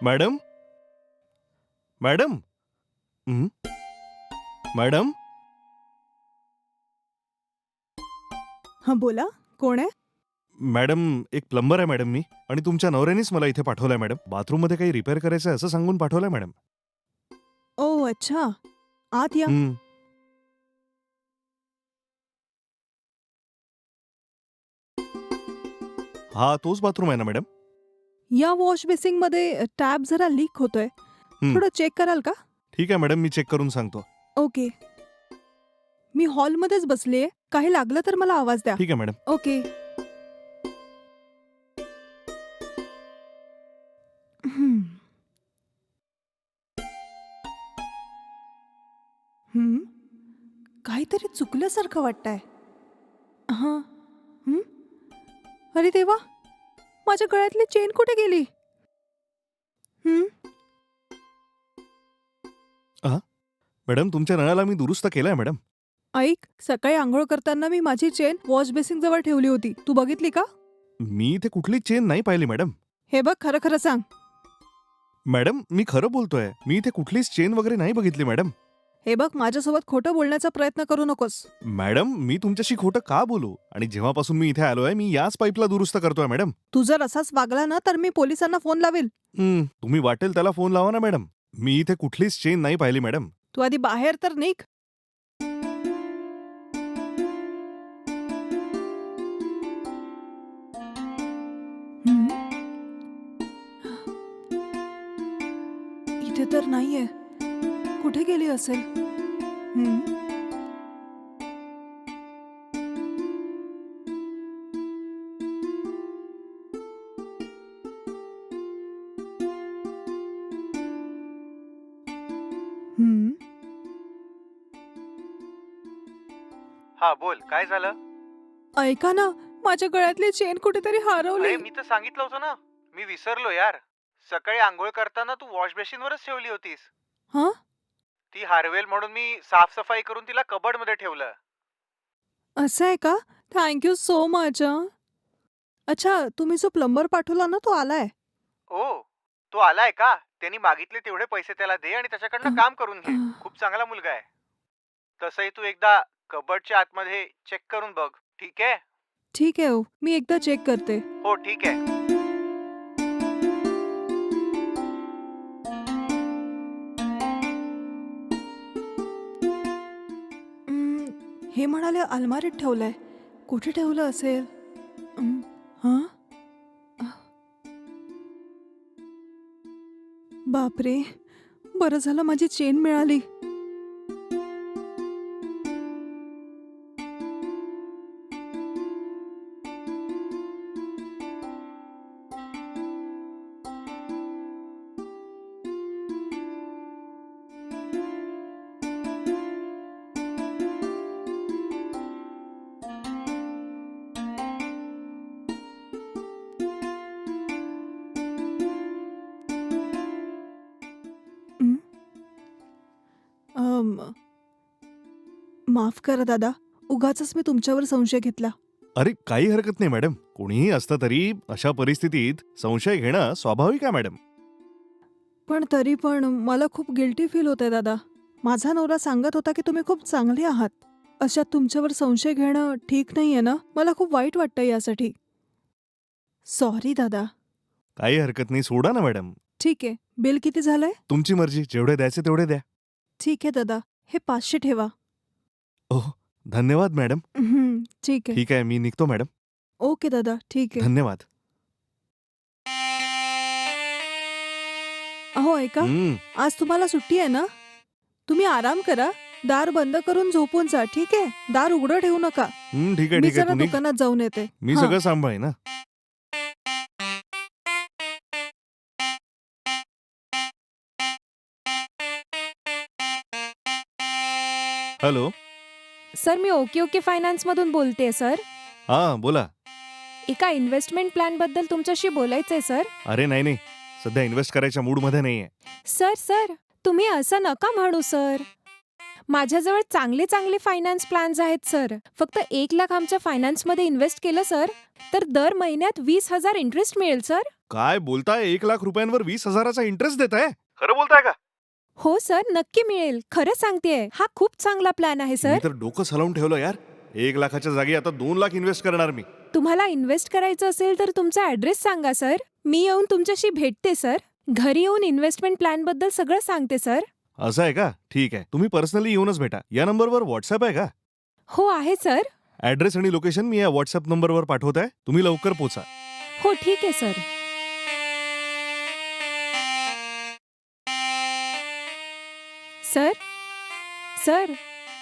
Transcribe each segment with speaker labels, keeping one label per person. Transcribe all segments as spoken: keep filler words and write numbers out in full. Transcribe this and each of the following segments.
Speaker 1: Madam madam हं? Madam
Speaker 2: हां बोला, कोण आहे?
Speaker 1: मॅडम एक प्लंबर आहे मॅडम मी आणि तुमच्या नवऱ्यानेच मला इथे पाठवलंय मॅडम. बाथरूममध्ये काही रिपेअर करायचं आहे असं सांगून पाठवलंय मॅडम.
Speaker 2: ओह अच्छा, आत या.
Speaker 1: हं. हा तोच बाथरूम आहे ना मॅडम?
Speaker 2: या वॉश बेसिंगमध्ये टॅप जरा लीक होतोय.
Speaker 1: हं.
Speaker 2: थोडं चेक कराल का?
Speaker 1: ठीक आहे मॅडम, मी चेक करून सांगतो.
Speaker 2: ओके. मी हॉलमध्येच बसलीये. काही लागलं तर मला आवाज द्या.
Speaker 1: ठीक आहे मॅडम.
Speaker 2: ओके. हं. हं. काहीतरी चुकल्यासारखं वाटतंय. हां. हं. अरे देवा! माझ्या गळ्यातली चेन कुठे गेली? हं.
Speaker 1: हां? मॅडम तुमच्या नळाला मी दुरुस्त केलंय मॅडम.
Speaker 2: ऐक, सकाळी अंघोळ करताना मी माझी चेन वॉश बेसिंग जवळ ठेवली होती. तू बघितली का?
Speaker 1: मी इथे कुठली चेन नाही पाहिली मॅडम.
Speaker 2: हे बघ, खरं खरं सांग.
Speaker 1: मॅडम मी खरं बोलतोय. मी इथे कुठलीच चेन वगैरे नाही बघितली मॅडम.
Speaker 2: हे बघ, माझ्यासोबत खोटं बोलण्याचा प्रयत्न करू नकोस.
Speaker 1: मॅडम मी तुमच्याशी खोटं का बोलू? आणि जेव्हापासून मी इथे आलोय मी याच पाईपला दुरुस्त करतोय मॅडम.
Speaker 2: तू जर असाच वागला ना तर मी पोलिसांना फोन लावेल.
Speaker 1: हं, तुम्ही वाटेल त्याला फोन लावा ना मॅडम. मी इथे कुठलीच चेन नाही पाहिली मॅडम.
Speaker 2: तू आधी बाहेर तर निघ. हं. इथे तर नाहीये. कुठे गेली असेल? हं. हं.
Speaker 3: हा बोल, काय झालं?
Speaker 2: ऐका ना, माझ्या गळ्यातली चेन कुठेतरी हरवली.
Speaker 3: अरे मी तर सांगितलं होतं ना, मी विसरलो यार. सकाळी आंघोळ करताना तू वॉश बेसिनवरच ठेवली होतीस.
Speaker 2: हां?
Speaker 3: ती हारवेल म्हणून मी साफसफाई करून तिला कबड मध्ये ठेवलं.
Speaker 2: असं आहे का? थँक यू सो मच हं. अच्छा, तुम्ही जो प्लंबर पाठवला ना तो आलाय.
Speaker 3: ओ, तो आलाय का? त्यांनी मागितले तेवढे पैसे त्याला दे आणि
Speaker 2: अ,
Speaker 3: त्याच्याकडनं काम करून
Speaker 2: अ,
Speaker 3: घे. खूप चांगला मुलगा आहे. तसंही तू एकदा कबडच्या आतमध्ये चेक करून बघ, ठीक आहे?
Speaker 2: ठीक आहे हो, मी एकदा चेक करते.
Speaker 3: हो ठीक आहे.
Speaker 2: अं, हे म्हणाले अलमारीत ठेवलंय. कुठे ठेवलं असेल? अं, हां? अ, बापरे! बरं झालं माझी चेन मिळाली. अं, अं, माफ करा दादा. उगाचच मी तुमच्यावर संशय घेतला.
Speaker 1: अरे काही हरकत नाही मॅडम. कोणीही असतं तरी अशा परिस्थितीत संशय घेणं स्वाभाविक आहे मॅडम.
Speaker 2: पण तरी पण मला खूप गिल्टी फील होतंय दादा. माझा नवरा सांगत होता की तुम्ही खूप चांगले आहात. अशात तुमच्यावर संशय घेणं ठीक नाहीये ना? मला खूप वाईट वाटतं यासाठी. सॉरी दादा.
Speaker 1: काही हरकत नाही, सोडा ना मॅडम.
Speaker 2: ठीक आहे. बिल किती झालंय?
Speaker 1: तुमची मर्जी, जेवढे द्यायचे तेवढे द्या.
Speaker 2: ठीक आहे दादा. हे पाचशे ठेवा.
Speaker 1: ओह धन्यवाद मॅडम.
Speaker 2: हं, ठीक आहे.
Speaker 1: ठीक आहे, मी निघतो मॅडम.
Speaker 2: ओके दादा, ठीक आहे.
Speaker 1: धन्यवाद.
Speaker 2: अहो ऐका,
Speaker 1: हं,
Speaker 2: आज तुम्हाला सुट्टी आहे ना? तुम्ही आराम करा. दार बंद करून झोपून जा, ठीक आहे? दार उघडं ठेवू नका.
Speaker 1: हं, ठीक आहे
Speaker 2: मी
Speaker 1: ठीक आहे.
Speaker 2: जरा
Speaker 1: तू निघ.
Speaker 2: दुकानात जाऊन येते.
Speaker 1: मी
Speaker 2: हां.
Speaker 1: सगळं सांभाळीन ना. हॅलो.
Speaker 4: सर मी ओके ओके फायनान्समधून बोलतेय सर.
Speaker 1: हां बोला.
Speaker 4: एका इन्व्हेस्टमेंट प्लॅनबद्दल तुमच्याशी बोलायचंय सर.
Speaker 1: अरे नाही नाही, सध्या इन्व्हेस्ट करायच्या मूडमध्ये नाहीये.
Speaker 4: सर सर तुम्ही असं नका म्हणू सर. माझ्याजवळ चांगले चांगले फायनान्स प्लॅन्स आहेत सर. फक्त एक लाख आमच्या फायनान्समध्ये इन्व्हेस्ट केलं सर, तर दर महिन्यात वीस हजार इंटरेस्ट मिळेल सर.
Speaker 1: काय बोलताय? एक लाख रुपयांवर वीस हजाराचा इंटरेस्ट देत आहे? खरं बोलताय का?
Speaker 4: हो सर, नक्की मिळेल. खरं सांगतेय, हा खूप चांगला प्लॅन आहे
Speaker 1: मी
Speaker 4: सर.
Speaker 1: तर डोकं हलवून ठेवलं यार. एक लाखाच्या जागी आता दोन लाख इन्व्हेस्ट करणार मी.
Speaker 4: तुम्हाला इन्व्हेस्ट करायचं असेल तर तुमचा ॲड्रेस सांगा सर. मी येऊन तुमच्याशी भेटते सर. घरी येऊन इन्व्हेस्टमेंट प्लॅन बद्दल सगळं सांगते सर.
Speaker 1: असं आहे का? ठीक आहे, तुम्ही पर्सनली येऊनच भेटा. या नंबरवर व्हॉट्सअप आहे का?
Speaker 4: हो आहे सर.
Speaker 1: ऍड्रेस आणि लोकेशन मी या व्हॉट्सअप नंबरवर पाठवत आहे. तुम्ही लवकर पोचा.
Speaker 4: हो ठीक आहे सर. सर सर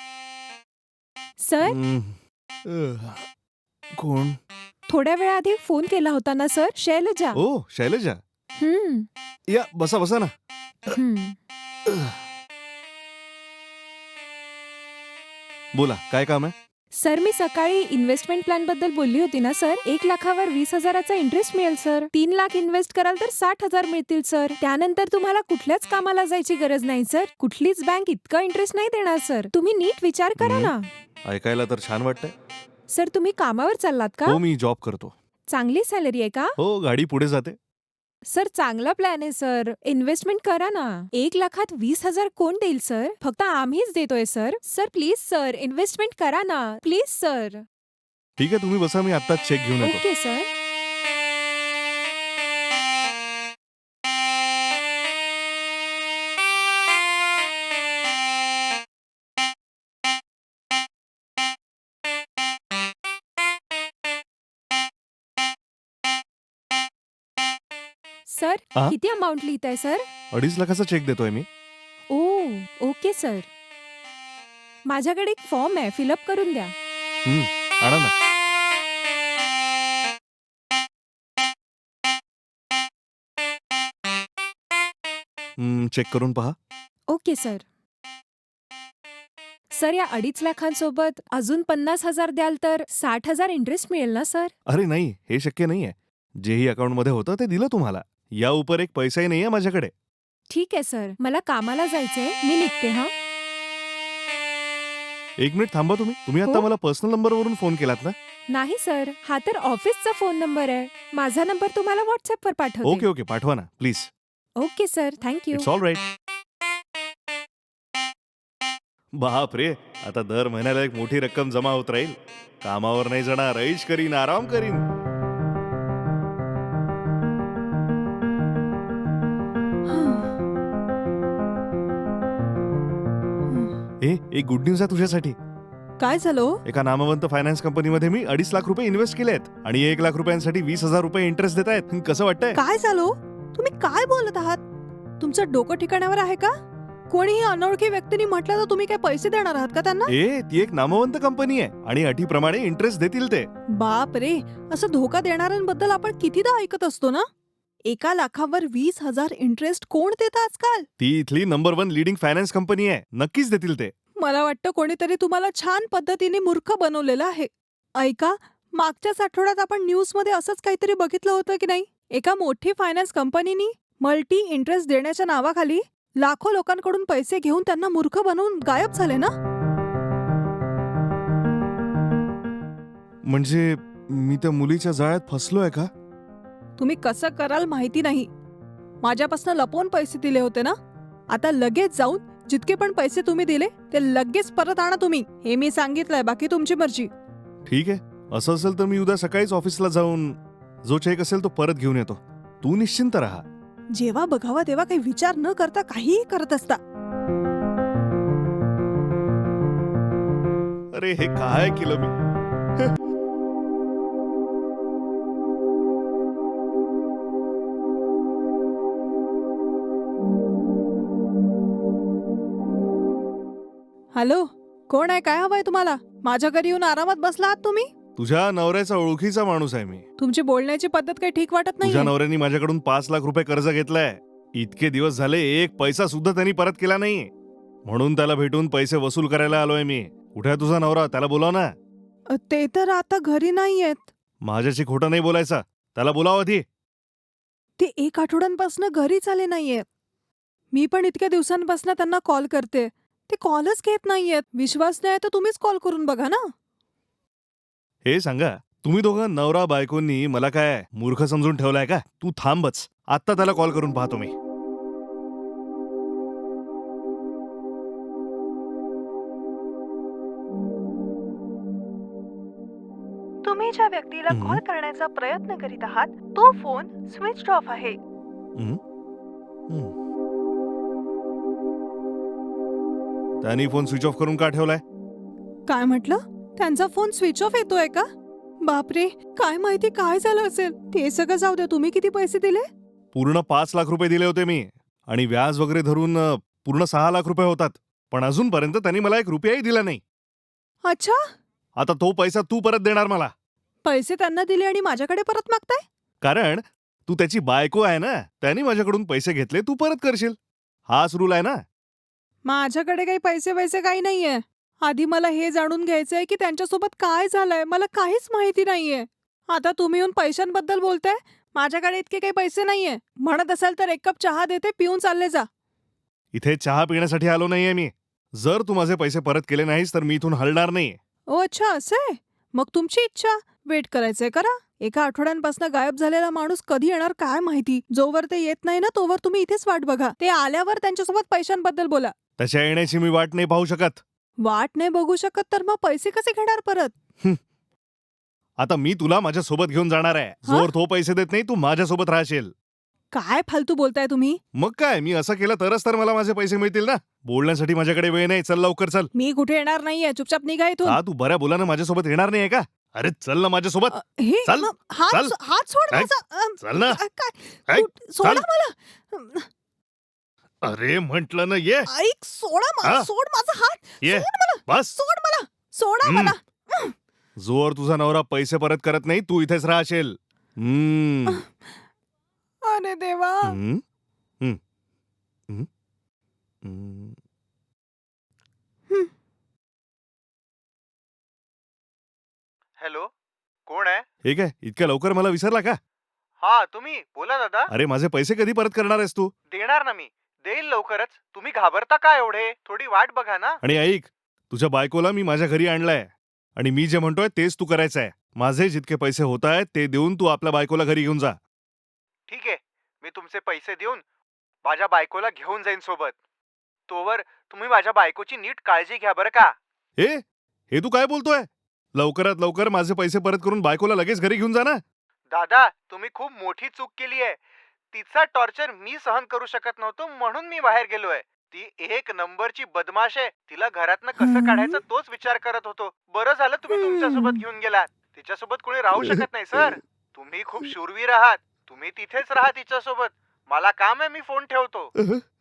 Speaker 4: सर
Speaker 1: हम्म. अह. कोण?
Speaker 4: थोड्या वेळाआधी फोन केला होता ना सर, शैलजा.
Speaker 1: ओ शैलजा,
Speaker 4: हम्म,
Speaker 1: या बसा बसा ना.
Speaker 4: हम्म.
Speaker 1: बोला, काय काम आहे?
Speaker 4: सर मी सकाळी इन्व्हेस्टमेंट प्लॅन बद्दल बोलली होती ना सर. एक लाखावर वीस हजाराचा इंटरेस्ट मिळेल सर. तीन लाख इन्व्हेस्ट कराल तर साठ हजार मिळतील सर. त्यानंतर तुम्हाला कुठल्याच कामाला जायची गरज नाही सर. कुठलीच बँक इतका इंटरेस्ट नाही देणार सर. तुम्ही नीट विचार करा
Speaker 1: हम्म.
Speaker 4: ना.
Speaker 1: ऐकायला तर छान वाटतंय.
Speaker 4: सर तुम्ही कामावर चाललात का?
Speaker 1: हो, मी जॉब करतो.
Speaker 4: चांगली सॅलरी आहे का?
Speaker 1: हो, गाडी पुढे जाते.
Speaker 4: सर चांगला प्लॅन आहे सर. इन्व्हेस्टमेंट करा ना. एक लाखात वीस हजार कोण देईल सर? फक्त आम्हीच देतोय sir. Sir please sir, investment करा ना प्लीज सर.
Speaker 1: ठीक आहे, तुम्ही बसा, मी आत्ताच चेक घेऊन येतो.
Speaker 4: Okay sir. सर
Speaker 1: हा?
Speaker 4: किती अमाऊंट लिहिताय सर?
Speaker 1: अडीच लाखाचा चेक देतोय मी.
Speaker 4: ओ ओके सर. माझ्याकडे एक फॉर्म आहे, फिलअप करून द्या.
Speaker 1: हम्म, आणा ना. हम्म, चेक करून पहा.
Speaker 4: Okay sir. सर या अडीच लाखांसोबत अजून पन्नास हजार द्याल तर साठ हजार इंटरेस्ट मिळेल ना सर?
Speaker 1: अरे नाही, हे शक्य नाहीये. जेही अकाउंटमध्ये होतं ते दिलं तुम्हाला. या उपर एक पैसाही नाहीये माझ्याकडे.
Speaker 4: ठीक आहे सर, मला कामाला जायचंय, मी निघते हा.
Speaker 1: एक मिनिट थांबा तुम्ही. तुम्ही आता
Speaker 4: हो?
Speaker 1: मला पर्सनल नंबरवरून फोन केलात ना?
Speaker 4: नाही सर, हा तर ऑफिसचा फोन नंबर आहे. माझा नंबर तुम्हाला व्हॉट्सअपवर
Speaker 1: ओके
Speaker 4: पाठवते.
Speaker 1: ओके, पाठवा ना please.
Speaker 4: Okay sir, thank you.
Speaker 1: It's all right. बाप रे, आता दर महिन्याला एक मोठी रक्कम जमा होत राहील. कामावर नाही जाणार, ऐश करीन, आराम करीन. ए एक गुड न्यूज आहे तुझ्यासाठी.
Speaker 2: काय झालं हो?
Speaker 1: एका नामवंत फायनान्स कंपनीमध्ये मी अडीच लाख रुपये इन्व्हेस्ट केले आहेत आणि एक लाख रुपयांसाठी वीस हजार रुपये इंटरेस्ट देत आहेत. कसं वाटतंय?
Speaker 2: काय झालं हो? तुम्ही काय बोलत आहात? तुमचं डोकं ठिकाणावर आहे का? कोणीही अनोळखी व्यक्तीने म्हटलं तर तुम्ही काय पैसे देणार आहात का त्यांना?
Speaker 1: ए ती एक नामवंत कंपनी आहे आणि अटीप्रमाणे इंटरेस्ट देतील ते.
Speaker 2: बाप रे, असं धोका देणाऱ्यांबद्दल आपण कितीदा ऐकत असतो ना. एका लाखावर वीस हजार इंटरेस्ट कोण देतं आजकाल?
Speaker 1: ती इथली number one leading finance company आहे. नक्कीच देतील ते.
Speaker 2: मला वाटतं कोणीतरी तुम्हाला छान पद्धतीने मूर्ख बनवलेलं आहे. ऐका, मागच्याच आठवड्यात आपण न्यूजमध्ये असंच काहीतरी बघितलं होतं की नाही? एका मोठी फायनान्स कंपनीनी मल्टी इंटरेस्ट देण्याच्या नावाखाली लाखो लोकांकडून पैसे घेऊन त्यांना मूर्ख बनवून गायब झाले ना.
Speaker 1: म्हणजे मी त्या मुलीच्या जाळ्यात फसलोय का?
Speaker 2: तुम्ही कसं कराल माहिती नाही. माझ्यापासून लपवून पैसे दिले होते ना. आता लगेच जाऊन जितके पण पैसे तुम्ही दिले ते लगेच परत आणा तुम्ही. हे मी सांगितलंय, बाकी तुमची मर्जी.
Speaker 1: ठीक आहे, असं असेल तर मी उद्या सकाळीच ऑफिसला जाऊन जो चेक असेल तो परत घेऊन येतो. तू निश्चिंत राहा.
Speaker 2: जेव्हा बघावा तेव्हा काही विचार न करता काहीही करत असता.
Speaker 1: अरे हे काय केलं मी?
Speaker 2: हॅलो, कोण आहे? काय हवंय तुम्हाला? माझ्या घरी येऊन आरामात बसला आहात तुम्ही?
Speaker 1: तुझ्या नवऱ्याचा ओळखीचा माणूस आहे मी.
Speaker 2: तुमची बोलण्याची पद्धत काही ठीक वाटत
Speaker 1: तुझ्या
Speaker 2: नाही.
Speaker 1: नवऱ्याने माझ्याकडून पाच लाख रुपये कर्ज घेतलंय. इतके दिवस झाले एक पैसा सुद्धा त्यांनी परत केला नाही. म्हणून त्याला भेटून पैसे वसूल करायला आलोय मी. कुठे आहे तुझा नवरा? त्याला बोलाव ना.
Speaker 2: ते तर आता घरी नाहीयेत.
Speaker 1: माझ्याशी खोटं नाही बोलायचं. त्याला बोलाव आधी.
Speaker 2: ते एक आठवड्यांपासून घरीच आले नाहीयेत. मी पण इतक्या दिवसांपासून त्यांना कॉल करते. ते कॉलच घेत नाहीयेत. विश्वास नाही तर तुम्हीच कॉल करून बघा ना.
Speaker 1: हे सांगा, तुम्ही दोघं नवरा बायकोंनी मला काय मूर्ख समजून ठेवलाय का? तू थांबच, आत्ता त्याला कॉल करून पाहतो मी.
Speaker 2: तुम्ही ज्या व्यक्तीला
Speaker 1: हं.
Speaker 2: कॉल करण्याचा प्रयत्न करीत आहात तो फोन स्विच ऑफ आहे.
Speaker 1: हं? हं. त्यांनी फोन स्विच ऑफ करून का ठेवलाय?
Speaker 2: काय म्हटलं? त्यांचा फोन स्विच ऑफ येतोय का? बापरे, काय माहिती काय झालं असेल. ते सगळं जाऊ द्या, तुम्ही किती पैसे दिले?
Speaker 1: पूर्ण पाच लाख रुपये दिले होते मी आणि व्याज वगैरे धरून अ, पूर्ण सहा लाख रुपये होतात. पण अजूनपर्यंत त्यांनी मला एक रुपयाही दिला नाही.
Speaker 2: अच्छा,
Speaker 1: आता तो पैसा तू परत देणार मला,
Speaker 2: पैसे त्यांना दिले आणि माझ्याकडे परत मागताय?
Speaker 1: कारण तू त्याची बायको आहे ना. त्यांनी माझ्याकडून पैसे घेतले, तू परत करशील. हाच रूल आहे ना.
Speaker 2: माझ्याकडे काही पैसे वैसे काही नाहीये. आधी मला हे जाणून घ्यायचंय की त्यांच्यासोबत काय झालंय. मला काहीच माहिती नाहीये. आता तुम्ही येऊन पैशांबद्दल बोलताय. माझ्याकडे इतके काही पैसे नाहीये. म्हणत असाल तर एक कप चहा देते, पिऊन चालले जा.
Speaker 1: इथे चहा पिण्यासाठी आलो नाहीये मी. जर तू माझे पैसे परत केले नाहीस तर मी इथून हलणार नाही.
Speaker 2: ओ अच्छा, असंय. मग तुमची इच्छा. वेट करायचंय करा. एका आठवड्यांपासून गायब झालेला माणूस कधी येणार काय माहिती. जोवर ते येत नाही ना तोवर तुम्ही इथेच वाट बघा. ते आल्यावर त्यांच्यासोबत पैशांबद्दल बोला.
Speaker 1: त्याच्या येण्याची मी वाट नाही पाहू शकत.
Speaker 2: वाट नाही बघू शकत तर मग पैसे कसे घेणार परत?
Speaker 1: आता मी तुला माझ्या सोबत घेऊन जाणार आहे. जोर तो पैसे देत नाही तू माझ्यासोबत राहशील.
Speaker 2: काय फालतू बोलताय तुम्ही?
Speaker 1: मग काय, मी असं केलं तरच तर मला माझे पैसे मिळतील ना. बोलण्यासाठी माझ्याकडे वेळ नाही. चल लवकर चल.
Speaker 2: मी कुठे येणार नाहीये. चुपचाप निघा इथून.
Speaker 1: हा, तू बऱ्या बोलानं माझ्यासोबत येणार नाहीये का? अरे चल ना माझ्यासोबत.
Speaker 2: अ, हे
Speaker 1: चल,
Speaker 2: म- हात
Speaker 1: चल.
Speaker 2: सो- हात सोड
Speaker 1: काय?
Speaker 2: माझा. अम,
Speaker 1: चल ना.
Speaker 2: काय- काय?
Speaker 1: काय?
Speaker 2: कुठ- सोडा
Speaker 1: चल.
Speaker 2: मला.
Speaker 1: अरे म्हंटल ना ये.
Speaker 2: ऐक, सोडा मा-
Speaker 1: हा?
Speaker 2: सोड माझा हात.
Speaker 1: ये
Speaker 2: सोड मला.
Speaker 1: बस.
Speaker 2: सोड मला. सोडा
Speaker 1: हम्म.
Speaker 2: मला.
Speaker 1: जोर तुझा नवरा पैसे परत करत नाही तू इथेच राहशील. हम्म.
Speaker 2: अरे देवा.
Speaker 1: हम्म. हम्म. हम्म. हम्म.
Speaker 3: हॅलो, कोण आहे?
Speaker 1: हे काय, इतक्या लवकर मला विसरला का?
Speaker 3: हा, तुम्ही बोला दादा.
Speaker 1: अरे माझे पैसे कधी परत करणार आहेस तू?
Speaker 3: देणार ना मी. देईल लवकरच. तुम्ही घाबरता का एवढे? थोडी वाट बघा ना.
Speaker 1: आणि ऐक, तुझ्या बायकोला मी माझ्या घरी आणलंय आणि मी जे म्हणतोय तेच तू करायचंय. माझे जितके पैसे होत आहेत ते देऊन तू आपल्या बायकोला घरी घेऊन जा.
Speaker 3: ठीक आहे, मी तुमचे पैसे देऊन माझ्या बायकोला घेऊन जाईन सोबत. तोवर तुम्ही माझ्या बायकोची नीट काळजी घ्या बरं का.
Speaker 1: हे हे तू काय बोलतोय? लवकरात लवकर माझे पैसे परत करून बायकोला लगेच घरी घेऊन जा ना.
Speaker 3: दादा, तुम्ही खूप मोठी चूक केली आहे. तिचा टॉर्चर मी सहन करू शकत नव्हतो म्हणून मी बाहेर गेलोय. ती एक नंबरची बदमाश आहे. तिला घरातनं कसं काढायचं तोच विचार करत होतो. बरं झालं तुम्ही तुमच्यासोबत घेऊन गेलात. तिच्यासोबत कोणी राहू शकत नाही सर. तुम्ही खूप शूरवीर आहात. तुम्ही तिथेच राहा तिच्यासोबत. मला काम आहे, मी फोन ठेवतो.